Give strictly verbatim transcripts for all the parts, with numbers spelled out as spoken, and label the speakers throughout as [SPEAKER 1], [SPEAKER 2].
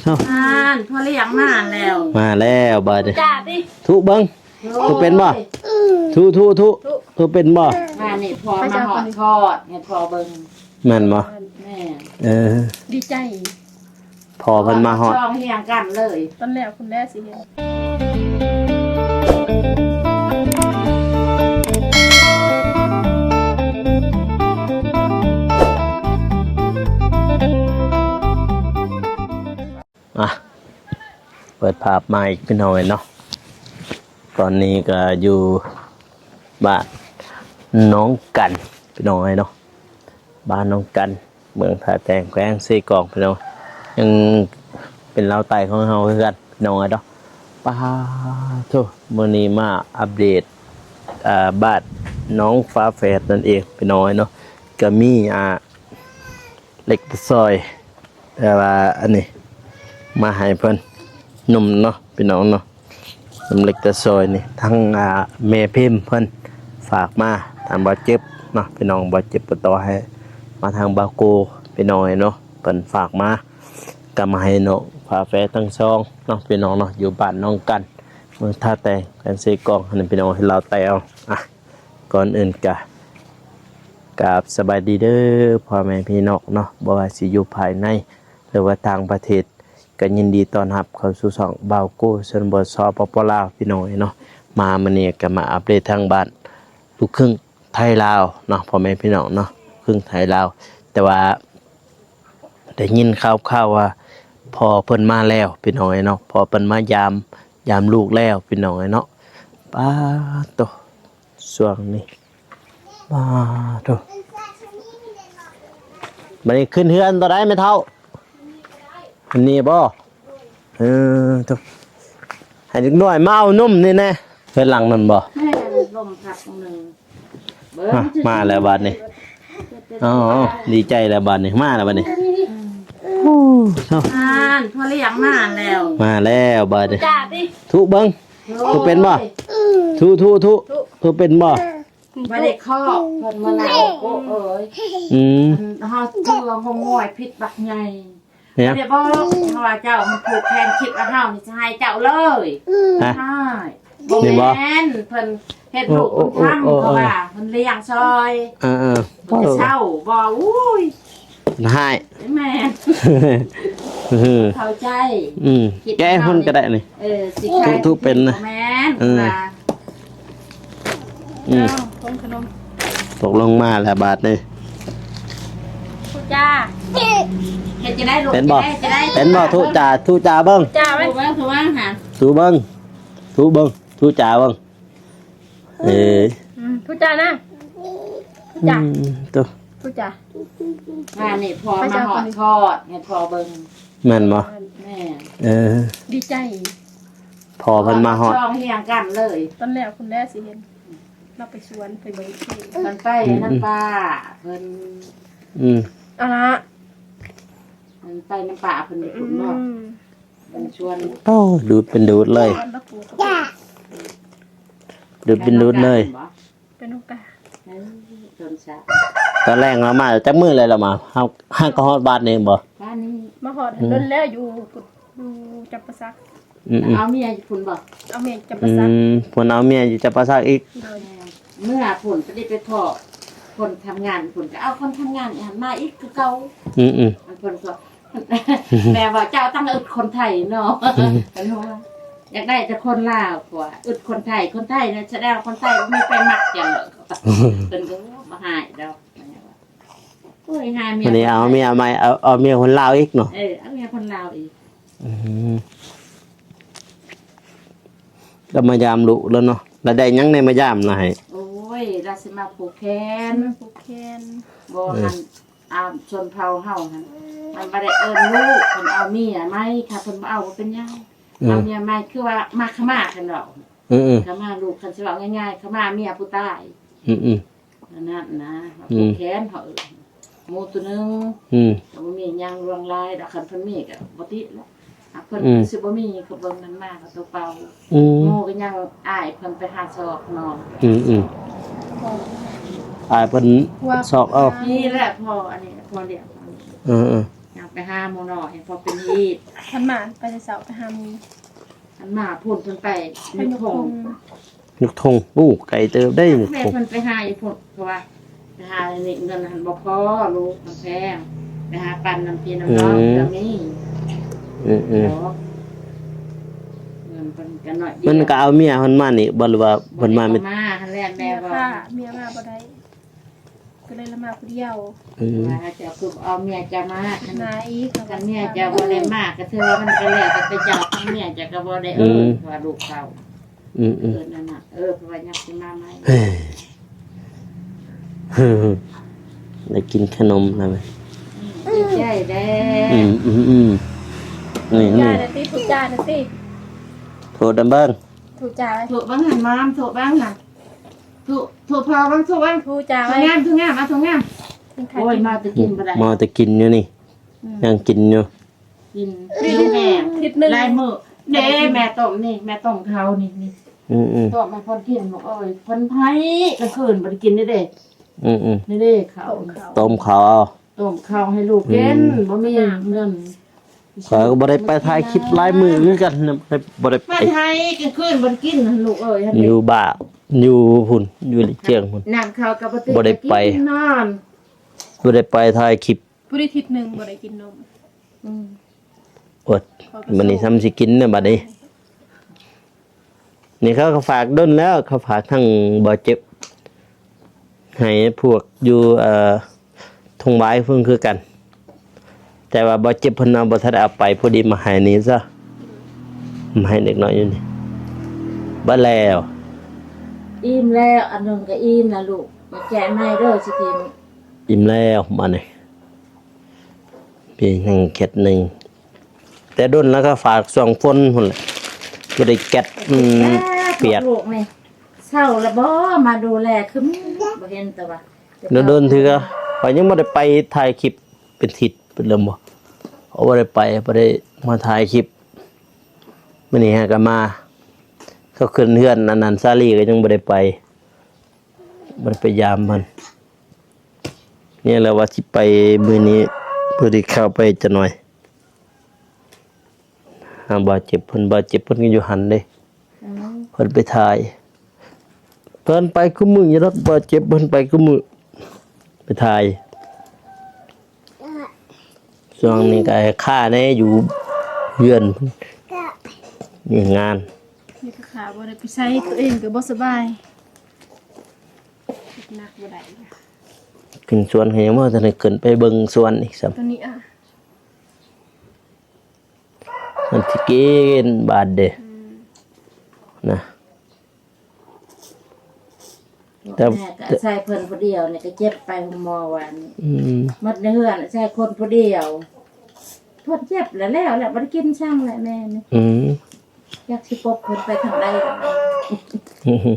[SPEAKER 1] อ่านพอเรียกมาแล้ว
[SPEAKER 2] มาแล้วบาดนี้
[SPEAKER 1] จ้าดิ
[SPEAKER 2] ทุเบิ้งทุเป็นบ่ทุทุทุทุเป็นบ่
[SPEAKER 1] มานี่พอมาหอดทอดเห็ดพอเบิ้ง
[SPEAKER 2] แม่นบ่
[SPEAKER 1] แม่
[SPEAKER 2] เออ
[SPEAKER 3] ดีใจ
[SPEAKER 2] พอเพิ่นมาฮอด
[SPEAKER 1] ช่องเฮียงกันเลย
[SPEAKER 3] ตอนแรกคุณแม่สิเห็น
[SPEAKER 2] อ่ะเปิดภาพมาอีกพี่น้อยเนาะตอนนี้ก็อยู่บ้านน้องกันพี่น้อยเนาะบ้านน้องกันเมืองท่าแตงแขวงซีกองพี่น้อยยังเป็นเล้าไต่ของเราคือกันพี่น้อยเนาะป้าทุกมื้อนี้มาอัปเดตอ่าบ้านน้องฟ้าแฝดนั่นเองพี่น้อยเนาะก็มีอ่าเล็กซอยแต่ว่าอันนี้มาให้เพิ่นหนุ่มเนาะพี่น้องเนาะหนุ่มเล็กตะซอยนี่ทั้งอ่าแม่พิมพ์เพิ่นฝากมาทางบ่เจ็บเนาะพี่น้องบ่เจ็บปวดต่อให้มาทางบาโกพี่น้องเนาะเพิ่นฝากมาก็มาให้เนาะฝาแฝดทั้งสองเนาะพี่น้องเนาะอยู่บ้านน้องกันเมืองท่าแตงแขวงซีกองอันนี้พี่น้องให้เราแตวอ่ะก่อนอื่นกะกับสบายดีเด้อพ่อแม่พี่น้องเนาะบ่ว่าสิอยู่ภายในหรือว่าต่างประเทศก็ยินดีต้อนรับเข้าสู่ช่องบ่าวโก้ชนบทสปปลาวพี่น้องเนาะมามื้อนี้ก็มาอัปเดตทางบ้านลูกครึ่งไทยลาวเนาะพ่อแม่พี่น้องเนาะครึ่งไทยลาวแต่ว่าได้ยินข่าวๆว่าพอเพิ่นมาแล้วพี่น้องเนาะพอเพิ่นมายามยามลูกแล้วพี่น้องเนาะป้าโตช่วงนี้ป้าโตบัดนี้ขึ้นเฮือนตัวใดไม่เท่าอันนี้บ่เออทุกให้เด็กน้อยมาเอานุ่มนี่แน่เฮือนหลังนั่นบ่
[SPEAKER 1] แม่ลมพัดหนึ่งเบิ้ง
[SPEAKER 2] มาแล้วบัดนี้อ๋อดีใจแล้วบัดนี้มาแล้วบัดนี้
[SPEAKER 1] อ่านพอเรียกมาแล้ว
[SPEAKER 2] มาแล้วบัดนี้
[SPEAKER 1] จ้าดิ
[SPEAKER 2] ทุเบิ้งทุเป็นบ่ทุทุทุทุเป็นบ่
[SPEAKER 1] บ่ได้ข้อเพิ่นมาแล้วโอ้เอ้ย
[SPEAKER 2] อืม
[SPEAKER 1] เฮาเชื่อว่าง่อยผิดบักใหญ่เนี่ยเดี๋ยวบอกเฮาว่าเจ้ามันผูกแขนคิดว่าเฮานี่จะให้เจ้าเลยใช่บ่แม่นเพิ่นเฮ็ดลูกบุญธรรมเพราะว่าเพิ่นเลี้ยงซอย
[SPEAKER 2] เออๆ
[SPEAKER 1] บ่เช่าบ่อุ้ย
[SPEAKER 2] ให้
[SPEAKER 1] แม่นเข้าใจ
[SPEAKER 2] อืมแก้เพิ่นก็ได้นี่
[SPEAKER 1] เออสิใคร
[SPEAKER 2] ทุกเป็นนะ
[SPEAKER 1] แม่นว่า
[SPEAKER 2] อืมตกลงมาแล้วบาทนี่
[SPEAKER 1] จ้าเฮ็ดจะได้ลูก
[SPEAKER 2] เป็นบ่
[SPEAKER 1] จะได้
[SPEAKER 2] เป็นบ่ทุจ่าทุจ่าเบิ่ง
[SPEAKER 1] จ้าเบิ่งเบิ่งถูกมั้งหา
[SPEAKER 2] ทุเบิ่งทุเบิ่งทุจ่าเบิ่งเอ้ย
[SPEAKER 3] อืมทุจ่านะ
[SPEAKER 2] จ้าตุ
[SPEAKER 3] ทุจ่า
[SPEAKER 1] อ่านี่พอมาหอดทอดเฮ็ดพอเบิ่ง
[SPEAKER 2] แม่นบ่
[SPEAKER 1] แม่
[SPEAKER 2] เออ
[SPEAKER 3] ดีใจ
[SPEAKER 2] พอเพิ่นมาฮอด
[SPEAKER 1] ช่องเฮียงกันเลย
[SPEAKER 3] ตอนแรกคุณแม่สิเห็นเราไปสวนไปเบิ่งที่
[SPEAKER 1] เพิ่นไปนั่นป้าเพิ่น
[SPEAKER 2] อืม
[SPEAKER 3] เอาละ
[SPEAKER 1] เพิ่นไปน้ำป่าเพิ่นไปขุดบ่เพิ่นชวน
[SPEAKER 2] โอ้ดูดเป็นดูดเลยดูดเป็นดูดเลย
[SPEAKER 3] เป็นโอกาส
[SPEAKER 1] จนซะ
[SPEAKER 2] ตอนแรกเรามาจักมื้อเลยเรามาเฮาห้างก็ฮอดบ้านเองบ่
[SPEAKER 1] บ้านนี้
[SPEAKER 3] มาฮอดโดนแล้วอยู่อยู่จับประซัก
[SPEAKER 2] อืม
[SPEAKER 1] เอาเมียอยู่พุ่นบ่
[SPEAKER 3] เอาเมียจับประซัก
[SPEAKER 2] อืมเพิ่นเอาเมียอยู่จับประซักอีก
[SPEAKER 1] เมื่อพุ่นจะได้ไปทอดคนทำงานพุ่นก็เอาคนทำงานหันมาอีกคือเก่า
[SPEAKER 2] อืม
[SPEAKER 1] ๆมันเพิ่นก็แม่ว่าเจ้าตั้งอึดคนไทยเนาะเพิ่นว่าอยากได้แต่คนลาวกว่าอึดคนไทยคนไทยเนี่ยแสดงคนไทยมีไปมักจังเลยเพิ่นก็บ่หายดอกโอ้ยหาเมีย
[SPEAKER 2] วันนี้เอาเมียใหม่เอาเอาเมียคนลาวอีกเนาะ
[SPEAKER 1] เออเอาเมียคนลาวอีก
[SPEAKER 2] อืมก็มายามลุแล้วเนาะแล้วได้ยังในมายามน่ะให้
[SPEAKER 1] โอ้ยราสิมาผูกแขน
[SPEAKER 3] ผูกแขน
[SPEAKER 1] บ่หันอ่าชนเผ่าเฮาหั่นมันบ่ได้เอิ้นลูกเพิ่นเอาเมียไหมค่ะเพิ่นบ่เอาบ่เป็นหยังเอาเมียใหม่คือว่ามาขมากันดอก
[SPEAKER 2] อือ
[SPEAKER 1] ๆขมาลูกคันสิเว้าง่ายๆขมาเมียผู้ตาย
[SPEAKER 2] อือ
[SPEAKER 1] ๆนั่นนะผูกแขนเฮาหมู่ตัวนึง
[SPEAKER 2] อืม
[SPEAKER 1] ก็บ่มีหยังรวงลายดอกคันเพิ่นมีก็บ่ติดแล้วเพิ่นสิบ่มีก็เบิ่งมันมาก็ตัวเป่า
[SPEAKER 2] อือ
[SPEAKER 1] หมู่ก็ยังอ้ายเพิ่นไปหาซอกนอน
[SPEAKER 2] อือๆอ้ายเพิ่นซอกเอา
[SPEAKER 1] นี่แหละพออันนี้พอเรียก
[SPEAKER 2] เออๆ
[SPEAKER 1] ไปหาหมอหน่อยพอเป็นฮีด
[SPEAKER 3] ทันหมานไปแต่เสาไปหาหมู
[SPEAKER 1] อันมาพูดเพิ่นไป
[SPEAKER 3] ไป
[SPEAKER 1] นึก
[SPEAKER 3] ยก
[SPEAKER 1] ผ
[SPEAKER 3] ธ
[SPEAKER 1] ง
[SPEAKER 3] ง
[SPEAKER 2] นึกทงปู้ไก่เติบได้นึก
[SPEAKER 1] แม่
[SPEAKER 2] ทง
[SPEAKER 1] เพิ่นไปหาอยู่พุ่นเพราะว่าไปหานี่เงินหันบ่พอลูกมันแพงไปหาปันน้ำพี่น้ำน้องก็มี
[SPEAKER 2] อืมอืม
[SPEAKER 1] เนาะเงินเพิ่นก็น้อยเดียว
[SPEAKER 2] มันก็เอาเมียเพิ่นมานี่บ่หรือว่าเพิ่นมาไม่
[SPEAKER 1] บ่ได้เอมาหันแรก
[SPEAKER 3] เมี
[SPEAKER 1] แม่
[SPEAKER 3] ย
[SPEAKER 1] บ่
[SPEAKER 3] ค่ะเมียมาบ่ได้ก็เลยละมาผู้เดียว
[SPEAKER 2] อืม
[SPEAKER 1] ว่าจะคือเอาเมียจะมาคัน
[SPEAKER 3] นาอีก
[SPEAKER 1] คันเมียจะบ่ได้มากก็ถือว่ามันก็แล้วแต่ไปเจ้าคันเมียจะก็บ่ได้เอิ้นว่าลูกเขา
[SPEAKER 2] อืมอื
[SPEAKER 1] เอิ้
[SPEAKER 2] ม
[SPEAKER 1] นนั่นน่ะเออเพราะว่ายังสิมาใหม่
[SPEAKER 2] เฮ้ยเฮ้ยได้กินขนมแล้วมั้ย
[SPEAKER 1] ดีใจแด้
[SPEAKER 2] อืมอืมอืมนี่
[SPEAKER 3] จ่า
[SPEAKER 2] นี่
[SPEAKER 3] ยนะติถูกจ่ายนะติ
[SPEAKER 2] โทษดำเบิ้ง
[SPEAKER 3] ถูกจ่าย
[SPEAKER 1] ถูกบ้างหันมามถูกบ้างน่ะถูกถูกพอบ้างถูกบ้าง
[SPEAKER 3] ถูกจ่าย
[SPEAKER 1] ถูกงามถูกงามมาถูกงามโอ้ยมาจะกินบ่ได้
[SPEAKER 2] มาแต่กินอยู่นี่ยังกินอยู่
[SPEAKER 1] กินกินแม่
[SPEAKER 3] ทิศหนึง
[SPEAKER 1] ลายมือเด้แม่ต้มนี่แม่ต้มเขานี่นี่
[SPEAKER 2] อืมอืม
[SPEAKER 1] ต้มมาพอนกินบอกเอ้ยพอนไผกลางคืนบ่ได้กินได้เด้
[SPEAKER 2] อืมอืม
[SPEAKER 1] นี่เด้เขา
[SPEAKER 3] ของเขา
[SPEAKER 2] ต้มข้าวเอา
[SPEAKER 1] ต้มข้าวให้ลูกกินบ่มีเงิน
[SPEAKER 2] ข้อยก็บ่ได้ไปถ่ายคลิปหลายมื้อคือกันนะบ่ได้บ่ได้ไป
[SPEAKER 1] มาไทยกลางคืนบ่ได้กินลูกเอ้ย
[SPEAKER 2] อยู่บ้านอยู่พุ่นอยู่ลิเจียงพุ่น
[SPEAKER 1] น้ำข้าวกับบ่ติ
[SPEAKER 2] บ่ได้ไป
[SPEAKER 1] กินนอน
[SPEAKER 2] บ่ได้ไปถ่ายคลิป
[SPEAKER 3] ผู้ได้ทิศหนึงบ่ได้กินนม
[SPEAKER 1] อืม
[SPEAKER 2] อดมันนี่ซ้ำสิกินเนี่ยบัดนี้ นี่เขาก็ฝากด้นแล้ว เขาฝากทั้งบ่เจ็บ ให้พวกอยู่เอ่อทงไว้เพิ่งคือกัน แต่ว่าบ่เจ็บเพิ่นเอาบ่ทันได้เอาไปพอดีมาให้นี่ซะมาให้เด็กน้อยอยู่นี่บ่แล้ว
[SPEAKER 1] อิ่มแล้วอันนึงก็อิ่มนะลูกมาแจกให้เด้อสิทีม
[SPEAKER 2] อิ่มแล้วมานี่พี่นั่งเข็ดหนึงแต่ด้นแล้วก็ฝากส่วงฝนพุ่นแหละบ่ได้แก๊สอืมเปียก
[SPEAKER 1] ลูกนี่เศร้าแล้วบ่มาดูแลคือบ่เห็นแต่ว่า
[SPEAKER 2] แล้วเดินถือก็ข่อยยังบ่ได้ไปถ่ายคลิปเป็นทิศเป็นเริ่มบ่เอาบ่ได้ไปบ่ได้มาถ่ายคลิปมื้อนี้ฮะก็มา เขาขึ้นเฮือนอันนั้นซาลีก็ยังบ่ได้ไปบ่ได้ไปยามมันเนี่ยแหละว่าสิไปมื้อนี้เพื่อที่เข้าไปจะหน่อยหาบาดเจ็บเพิ่นบาดเจ็บเพิ่นก็อยู่หันเด้
[SPEAKER 1] อืม
[SPEAKER 2] เพิ่นไปถ่ายเพิ่นไปคุมืออยู่รถบาดเจ็บเพิ่นไปคุมือไปถ่ายช่วงนี้ก็ให้ค่าแน่อยู่เฮือนมีงาน
[SPEAKER 3] นี่ก็ขาบ่ได้ไปใช้ตัวเองก็บ่สบายหนักบ่ได้
[SPEAKER 2] ขึ้นสวนให้ยังบ่ทันได้ขึ้นไปเบิ่งสวนอีกซ้ํ
[SPEAKER 3] ตัวนี้อ่ะ
[SPEAKER 2] มันสิกินบาดเด้นะ แต่
[SPEAKER 1] แม่ก็ใส่เพิ่นผู้เดียวนี่ก็เจ็บไปหมอวัน
[SPEAKER 2] อืม
[SPEAKER 1] หมดในเฮือนใส่คนผู้เดียวเพิ่นเจ็บแล้วแล้วแหละบ่ได้กินช่างแหละแม่นี่
[SPEAKER 2] อืม
[SPEAKER 1] อยากสิปบเพิ่นไปทางใดล่ะ
[SPEAKER 2] อืม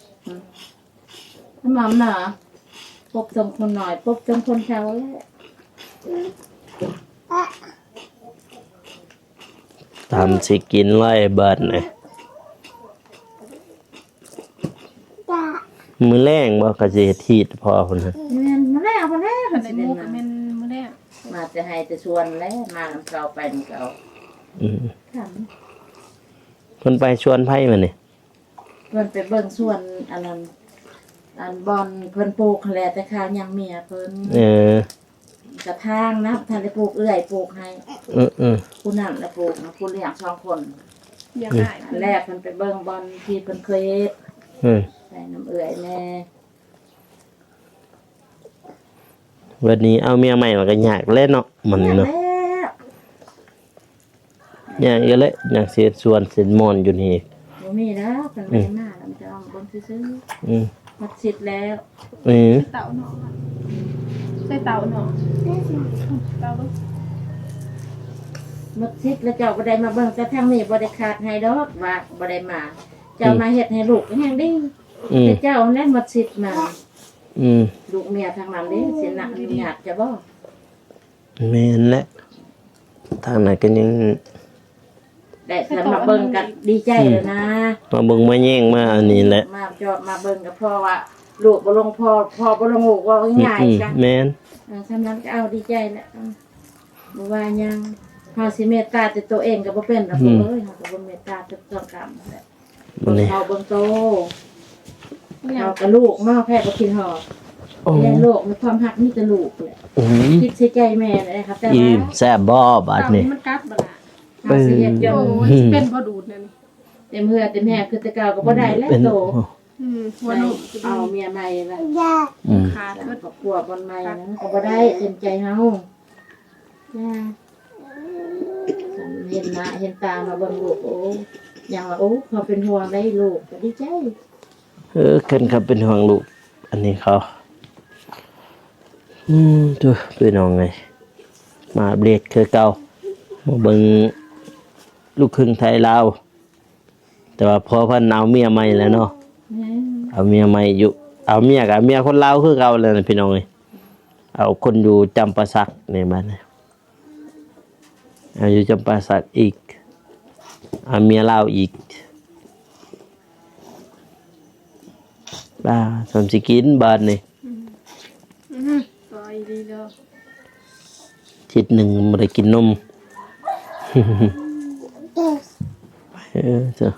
[SPEAKER 1] น้ำหม่ำน่ะปบจมคนหน่อยปบจมคนเฒ่าแล้ว
[SPEAKER 2] ทำสิกินไล่เบิดเลยมือแรงบ่ก็สิเฮ็ดทีดพอพุ่นน่ะ
[SPEAKER 1] แม่นมาแล้วมาแล้ว
[SPEAKER 3] คัน
[SPEAKER 1] สิ
[SPEAKER 3] ได้ห
[SPEAKER 1] ได้
[SPEAKER 3] มู
[SPEAKER 1] มา
[SPEAKER 3] ก็แม่นมื้อแรก
[SPEAKER 1] มาจะให้แต่ชวนแล้วมานำเก่าไปนำเก่า
[SPEAKER 2] อืม
[SPEAKER 1] ค่ะ
[SPEAKER 2] เพิ่นไปชวนไผมานี่
[SPEAKER 1] เพิ่นไปเบิ่งสวนอันนั้นอันบอนเพิ่นปลูกแหละแต่ข้าวยังเมียเพิ่น
[SPEAKER 2] เออก
[SPEAKER 1] ระทางนะท่านได้ปลูกเอื้อยปลูกให้
[SPEAKER 2] เออเออ
[SPEAKER 1] ผู้นั่นแล้วปลูกนะผู้เลี้ยงสองคน
[SPEAKER 3] อยากได้
[SPEAKER 1] อันแรกเพิ่นไปเบิ่งบอนที่เพิ่นเคยเฮ็ด
[SPEAKER 2] เออ
[SPEAKER 1] ใส่น้ำเอื้อยแน่
[SPEAKER 2] วันนี้เอาเมียใหม่มันก็ยากเล่นเนาะมัน
[SPEAKER 1] แล้ว
[SPEAKER 2] เนาะยากเยอะเลยอยากเสียส่วนเสียมอนอยู่นี่
[SPEAKER 1] บ่มีแล้วเพิ่นไม่ได้มาแล้วมันจะเอาเบิ่งซื่อ
[SPEAKER 2] อืม
[SPEAKER 1] ๆมัดสิทธิ์แล้ว
[SPEAKER 2] เออ
[SPEAKER 3] เต่าเนาะใส่เต่าเนาะเต่าลูก
[SPEAKER 1] มัดสิทธิ์แล้วเจ้าบ่ได้มาเบิ่งแต่ทางนี้บ่ได้ขาดให้ดอกว่าบ่ได้มา เจ้ามาเฮ็ดให้ลูกก็แฮงดี
[SPEAKER 2] อืม
[SPEAKER 1] แต่เจ้าแน่มัดสิทธิ์มา
[SPEAKER 2] อืม
[SPEAKER 1] ลูกเมียทางนั้นเด้สินะอนุญาตจะบ่
[SPEAKER 2] แม่นแหละทางไหนก็ยัง
[SPEAKER 1] ได้แต่มาเบิ่งกันดีใจเลยนะ
[SPEAKER 2] มาเบิ่งมาแย่งมาอันนี้แหละ
[SPEAKER 1] มาจอดมาเบิ่งกับพ่อว่าลูกบ่ลงพ่อพ่อบ่ลงลูกว่าง่าย
[SPEAKER 2] อืม
[SPEAKER 1] จ้ะ
[SPEAKER 2] แม่น
[SPEAKER 1] เออฉะนั้นก็เอาดีใจแหละอืมบ่ว่าหยังเฮาสิเมตตาแต่ตัวเองก็บ่เป็นดอกเอ้ยเฮาก็บ่เมตตาแต่ตัวกรรมแหละ
[SPEAKER 2] มันนี่
[SPEAKER 1] เฮาเบิ่งโตเฮากับลูกเนาะแพ้บ่กินหอด
[SPEAKER 2] โอ้
[SPEAKER 1] เลี้ยงลูกมีความรักมีแต่ลูกแหละ
[SPEAKER 2] อืม
[SPEAKER 1] คิดใส่ใจแม่เลยครับแต่
[SPEAKER 2] อิ่
[SPEAKER 1] ว่าม
[SPEAKER 2] แซ่บบ่บาด
[SPEAKER 3] เต่า
[SPEAKER 2] นี้
[SPEAKER 3] นี่มันกัดบ่ล่ะ
[SPEAKER 1] เฮาสิเฮ็ดจ
[SPEAKER 3] โอ้
[SPEAKER 1] น
[SPEAKER 3] ยเป็นบ่ดูดนั่นนี่
[SPEAKER 1] เต็มเหือเต็มแหบคือแต่เก่าก็บ่ได้แล้ว
[SPEAKER 2] เป็น
[SPEAKER 1] โต
[SPEAKER 3] อืมหัวนุ่ม
[SPEAKER 1] เอาเมียใหม่ละ
[SPEAKER 2] อืม
[SPEAKER 3] ขาด
[SPEAKER 1] แล้ว
[SPEAKER 3] เบิด
[SPEAKER 1] ก็กลัวบนใหม่นะก็บ่ได้เต็มใจเฮาจ้าเห็นหน้าเห็นตามาเบิ่งลูกโอ้อย่างว่าโอ้เขาเป็นห่วงได้ลูกก็ดีใจ
[SPEAKER 2] เออเพิ่นครับเป็นห่วงลูกอันนี้เขาอืมดูพี่น้องไงมาอัปเดตคือเก่ามาเบิ่งลูกครึ่งไทยลาวแต่ว่าพอเพิ่นเอาเมียใหม่แล้วเนาะ
[SPEAKER 1] แม่
[SPEAKER 2] เอาเมียใหม่อยู่เอาเมียกับเมียคนลาวคือเก่าเลยนะพี่น้องเอ้ยเอาคนอยู่จำปาสักนี่มาเนี่ยเอาอยู่จำปาสักอีกเอาเมียลาวอีกบ้าสมสิกินบาดนี่
[SPEAKER 3] อือปล่อยดีเด้อ
[SPEAKER 2] ทิศหนึ่งไม่ได้กินนม เออเจ้า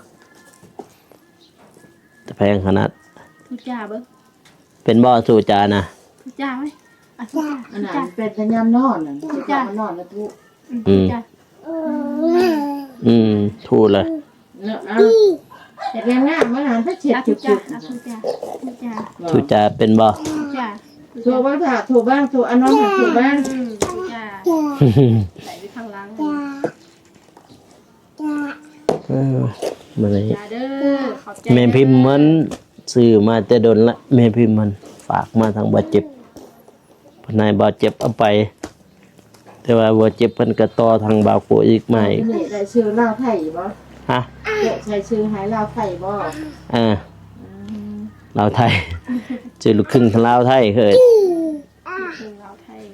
[SPEAKER 2] แต่แพงขนาด
[SPEAKER 3] ทุจ้าเบิ่ง
[SPEAKER 2] เป็นบ่อสู่จานะ
[SPEAKER 3] ทุจ้าไว้อ่ะทุจ้า
[SPEAKER 1] อัน
[SPEAKER 3] ทุ
[SPEAKER 1] นั้
[SPEAKER 3] จ้าน
[SPEAKER 1] เป็นสัญญาณนอนน่ะคือจะมานอนแล้วทุก
[SPEAKER 3] อืมทุจ้า
[SPEAKER 2] อืมทูดเลย
[SPEAKER 1] เนาะเอาเฮ็ดงามๆมาหานถ้าเช็ด
[SPEAKER 3] อ่ะ
[SPEAKER 1] จุ
[SPEAKER 3] ทุจ้า
[SPEAKER 1] บ
[SPEAKER 3] อ่ะทุจ้าทุจ้า
[SPEAKER 1] ๆ
[SPEAKER 2] สู่จาเป็นบ่อ
[SPEAKER 3] ทุจ้า
[SPEAKER 1] ถูกบ้างค่ะถูกบ้างถูกอันน้องถูกบ้าง
[SPEAKER 3] อืมทุจ้าใส่ไปข้างหล่าง
[SPEAKER 2] เออมันเลย
[SPEAKER 3] จ้าเด้อขอบใจ
[SPEAKER 2] แม่พิมพ์มันซื้อมาแต่ดนละแม่พิมพ์มันฝากมาทางบาดเจ็บพนายบาดเจ็บเอาไป แต่ว่าบาดเจ็บเพิ่นก็ต่อทางบาวโกอีกใหม่
[SPEAKER 1] นี่ได้ชื่อลาวไทยบ่
[SPEAKER 2] ฮะ
[SPEAKER 1] เจ๊ใช้ชื่อหายลาวไทยบ่
[SPEAKER 2] เออลาวไทยชื่อลูกครึ่งลาวไทยเคย
[SPEAKER 3] เป็นลาวไทย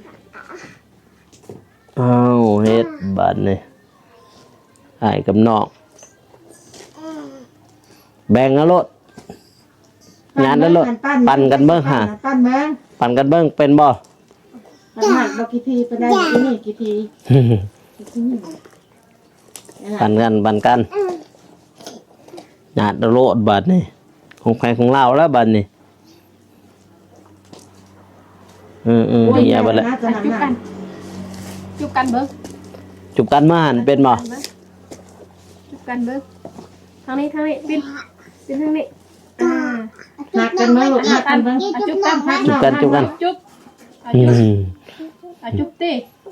[SPEAKER 2] อ้าวเฮ็ดบาดนี่อ้ายกับน้องแบ่งเอาโลดงานแล้วโลดปั่นกันเบิ่งหา
[SPEAKER 1] ปั้นเบิ่ง
[SPEAKER 2] ปั่นกันเบิ่งเป็นบ่
[SPEAKER 1] ปั้นหักบ่กี่ทีไปได้กี่นี่กี่ทีกี่ทีนี่
[SPEAKER 2] ปั่นกันปั่นกันญาติโลดบาดนี่ของใครของเราแล้วบาดนี่อืมอืม
[SPEAKER 1] โอ้ย
[SPEAKER 2] เฮียบัดละ
[SPEAKER 1] น่าจะ
[SPEAKER 3] อ่ะ
[SPEAKER 1] นำ
[SPEAKER 3] จุบกัน
[SPEAKER 1] มา
[SPEAKER 3] จุบกันเบิ่ง
[SPEAKER 2] จุบกันมาหันเป็นบ่
[SPEAKER 3] จุบกันเบิ่งทางนี้ทางนี้ปินปินทางนี้อ่า
[SPEAKER 1] หักกันเบิ่งลูกหักกันเบิ่ง
[SPEAKER 3] อ่ะจุบกัน
[SPEAKER 1] หัก
[SPEAKER 2] จุบกันจุบกัน
[SPEAKER 3] จุบอ่ะ
[SPEAKER 2] อื
[SPEAKER 3] จุบ
[SPEAKER 2] ม
[SPEAKER 3] อ่ะจุบติ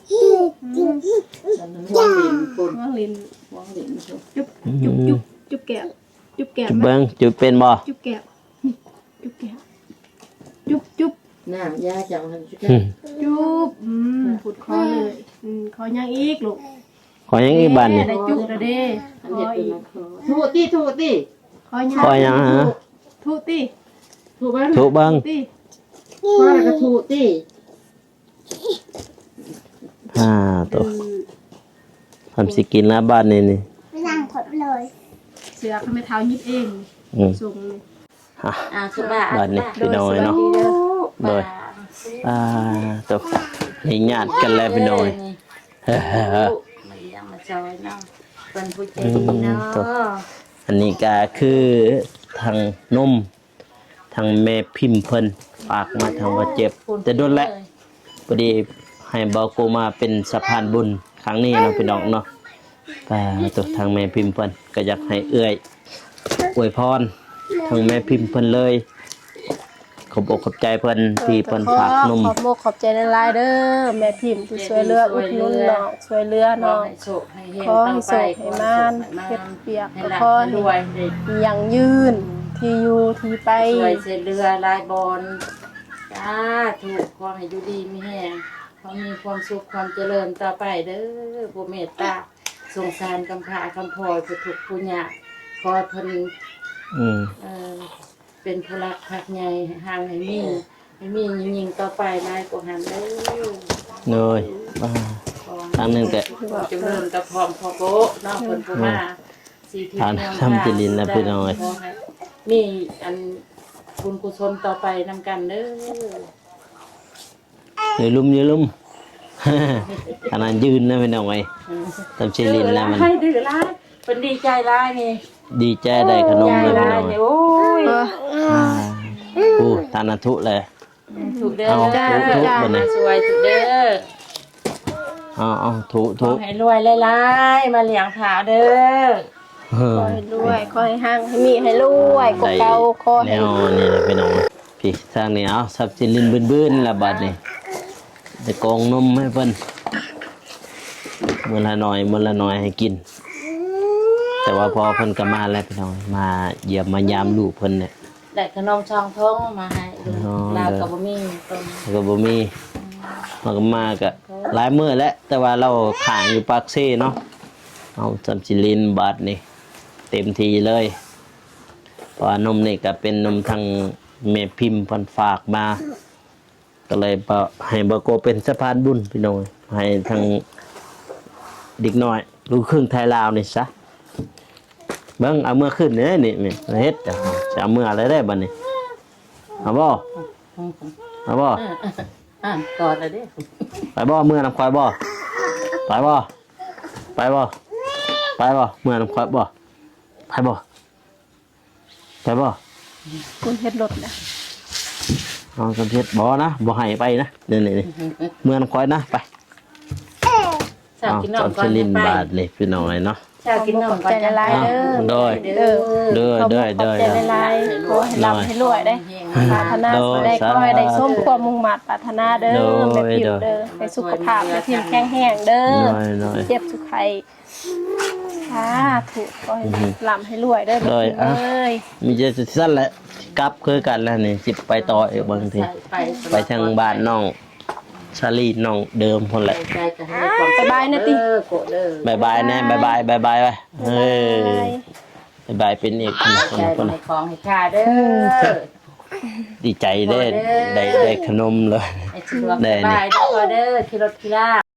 [SPEAKER 1] วางเหรียญปุ่น
[SPEAKER 3] วางลิ้น
[SPEAKER 1] วางเหรียญจุบ
[SPEAKER 3] จุบจุบจุบจุบแก้วจุบแก้ว
[SPEAKER 2] จุบ
[SPEAKER 3] ไหม
[SPEAKER 2] เบิ่งจุบเป็นบ่
[SPEAKER 3] จุบแก้วจุบแก้วจุบจุบ
[SPEAKER 1] น้ำยาจังหันจุบ
[SPEAKER 2] อืม
[SPEAKER 3] จุบอืมผุดคอเลยอืมคอยังอีกลูก
[SPEAKER 2] ขอยังอีกบาดนี่
[SPEAKER 3] ได้จุบแล้วเด้
[SPEAKER 1] อั
[SPEAKER 3] คน อ
[SPEAKER 1] เด็ดเป็น
[SPEAKER 3] อีก
[SPEAKER 1] มาคอถูกตีถูกตี
[SPEAKER 3] คอยัง
[SPEAKER 2] ขอยังฮะ
[SPEAKER 3] ทุติ
[SPEAKER 1] ถูกบ้าง
[SPEAKER 2] ถูกเบิ่ง
[SPEAKER 3] ติ
[SPEAKER 1] พ่อแล้วก็ถูกตี
[SPEAKER 2] อ่าตัวทำสิกินแล้วบาดนี่นี่
[SPEAKER 4] ไม่นั่งถดเลย
[SPEAKER 3] เสือเขาไม่เท้ายิบเอง
[SPEAKER 2] อืม
[SPEAKER 3] ส่งเลย
[SPEAKER 2] ฮะ
[SPEAKER 1] อ่าสุบา
[SPEAKER 2] บาดนี่พี่น้อยเนาะ โดย อ่าตัวนี่ญาติกันแล้วพี่น้อยเฮ้อ
[SPEAKER 1] มาเลี้ยงมาจอยเนาะเป็นผู้ใจดีเนาะ
[SPEAKER 2] อันนี้ก็คือทางนมทางแม่พิมพ์เพิ่นฝากมาทางว่าเจ็บแต่โดนแล้วพอดีให้เบาโกมาเป็นสะพานบุญครั้งนี้เนาะพี่น้องเนาะก็ตัวทางแม่พิมพ์เพิ่นก็อยากให้เอื้อยอวยพรทางแม่พิมพ์เพิ่นเลยขอบอกขอบใจเพิ่นที่เพิ่นฝากนม
[SPEAKER 3] ขอบโมกขอบใจในไลน์เด้อแม่พิมพ์ที่ช่วยเหลืออุดหนุนน้องช่วยเหลือ
[SPEAKER 1] ขอ
[SPEAKER 3] น้อง
[SPEAKER 1] ให้โชคให้เฮง
[SPEAKER 3] ขอ
[SPEAKER 1] ต่
[SPEAKER 3] ให้
[SPEAKER 1] อ
[SPEAKER 3] โช
[SPEAKER 1] ไป
[SPEAKER 3] คให้มานเก็บเปียก
[SPEAKER 1] ให้
[SPEAKER 3] ก็
[SPEAKER 1] หลั
[SPEAKER 3] ขอ
[SPEAKER 1] ร
[SPEAKER 3] ให้
[SPEAKER 1] วยให้
[SPEAKER 3] มีอย่างยืนที่อยู่ที่ไป
[SPEAKER 1] ช่วยเสียเรือลายบอลจ้าถูกความให้อยู่ดีมีแห้งขอมีความสุขความเจริญต่อไปเด้อผู้เมตตาสงสารกำพร้าคำพลอยผู้ทุกข์ผู้ยากขอให้เพิ่น
[SPEAKER 2] อืม
[SPEAKER 1] เอ่อเป็นพลักพักใหญ่ห่างให้มีให้มียิงๆต่อไปนายกหันเด้อ
[SPEAKER 2] เลยอ่า ครั้งหนึ่งแต่
[SPEAKER 1] จำเริญกับพร้อมพอโบะเนาะเพิ่นผู้มาสีทิศ
[SPEAKER 2] ทาน
[SPEAKER 1] เมือง
[SPEAKER 2] ทำจิรินนะพี่น้อย
[SPEAKER 1] ขให้มีอันบุญกุศลต่อไปนำกันเด้อ
[SPEAKER 2] อย่าลุ่มอย่าลุ่มขนาดยืนนะพี่น้องไอ้ตำชิลินแล้วมัน
[SPEAKER 1] ให้ดื้อร้ายเป็นดีใจร้ายนี่
[SPEAKER 2] ดีใจได้ขนมเลย
[SPEAKER 1] ใจ
[SPEAKER 2] พี่
[SPEAKER 1] ร้า
[SPEAKER 2] น้
[SPEAKER 1] ย
[SPEAKER 2] อง
[SPEAKER 1] นี่โอ้ย
[SPEAKER 3] เออ
[SPEAKER 2] โอ้ทานาทุเลย
[SPEAKER 1] ถูกเด้อ
[SPEAKER 2] เอา
[SPEAKER 1] จ้า
[SPEAKER 2] ถูก
[SPEAKER 1] จ้า
[SPEAKER 2] ๆบ่เนี่ย
[SPEAKER 1] สวยถูกเด้อ
[SPEAKER 2] อ๋ออ๋อทุ
[SPEAKER 1] ข
[SPEAKER 2] ทุ
[SPEAKER 1] อให้รวยหลายๆมาเลี้ยงถาวเด้อ
[SPEAKER 2] เออ
[SPEAKER 3] ขอให้รวยขอให้ห้างให้มีให้รวยกว่าเก่าขอ
[SPEAKER 2] แน
[SPEAKER 3] ให้
[SPEAKER 2] วนี่แหละพี่น้องพี่ทางนี้เอาสับชิลินบื้นๆละบัดนี่จะกองนมให้เพิ่นมื้อละหน่อยมื้อละหน่อยให้กิน แต่ว่าพอเพิ่นก็มาแล้วพี่น้องมาเยี่ยมมายามลูกเพิ่นเนี่ย
[SPEAKER 1] ได้ขนมช่องทงมาให้ลูก
[SPEAKER 2] อ๋อ
[SPEAKER 1] ลาวกับบะหมี่ต้ม
[SPEAKER 2] แล้วก็บ่มีมันก็มาก็หลายมื้อแล้วแต่ว่าเราขางอยู่ปากเซ่เนาะเอาสับชิลินบัดนี่เต็มทีเลยเพราะว่านมนี่ก็เป็นนมทางแม่พิมพ์เพิ่นฝากมา ก็เลยบ่ให้บโกเป็นสะพานบุญพี่น้องให้ทางเด็กน้อยลูกครึ่งไทยลาวนี่ซะเบิ่งเอาเมื่อขึ้นเด้อนี่นี่เฮ็ดจ้ะจะเอาเมื่ออะไรได้บัดนี้เอาบ่เอาบ่
[SPEAKER 1] อ่ะกอดเลยเด้อ
[SPEAKER 2] ไปบ่เมื่อนำควายบ่ไปบ่ไปบ่ไปบ่เมื่อนำควายบ่ไปบ่ไปบ่
[SPEAKER 3] คุณเฮ็ดรถนะ
[SPEAKER 2] เอาสำเพ็จบ่นะบ่ให้ไปนะนี่นี่ๆเมื่อนำควายนะไป
[SPEAKER 1] สาว
[SPEAKER 2] เอา
[SPEAKER 1] กินน
[SPEAKER 2] จั
[SPEAKER 1] ม
[SPEAKER 2] บ
[SPEAKER 1] ก่อ
[SPEAKER 2] ช
[SPEAKER 1] น
[SPEAKER 2] ลิน
[SPEAKER 1] ไป
[SPEAKER 2] บาทเลยพี่น้องเลยเนาะ
[SPEAKER 1] สาวกินนมก่อน
[SPEAKER 3] ใจละลายเด้อ
[SPEAKER 2] โดย
[SPEAKER 3] เด้อ
[SPEAKER 2] เด้อเด้อเด้อ
[SPEAKER 3] ขอบใจละลายขอให้ร่ำให้รวยได้ปรารถนาสิ่งใดขอให้ได้สมความมุ่งมั่นปรารถนาเด้อแม่พิมพ์เด้อให้สุขภาพแม่พิมพ์แข็งแรงเด้อ
[SPEAKER 2] น้อยน้อย
[SPEAKER 3] เจ็บสุขไข้สาธุขอให้ร่ำให้รวยเด้อแม่พิมพ์เอ้ย
[SPEAKER 2] มีจะสั้นแหละกลับคือกันแล้วนี่สิไปต่ออีกบางที
[SPEAKER 1] ไป
[SPEAKER 2] ไปทางบ้านน้องชาลีน้องเดิมคนแหละ
[SPEAKER 1] ใจจะให้ความสุขเด้อโกะเด้อบ
[SPEAKER 2] ายบายแน่บายบายบายบายไปเฮ้ยบายบายเป็นอีกคนคน
[SPEAKER 1] ใจ
[SPEAKER 2] คน
[SPEAKER 1] ให้ของให้ข้าเด้อ
[SPEAKER 2] ดีใจได้ได้ได้ขนมเลย
[SPEAKER 1] ให้สะดวกสบายเด้อเด้อขี่รถขี่ลา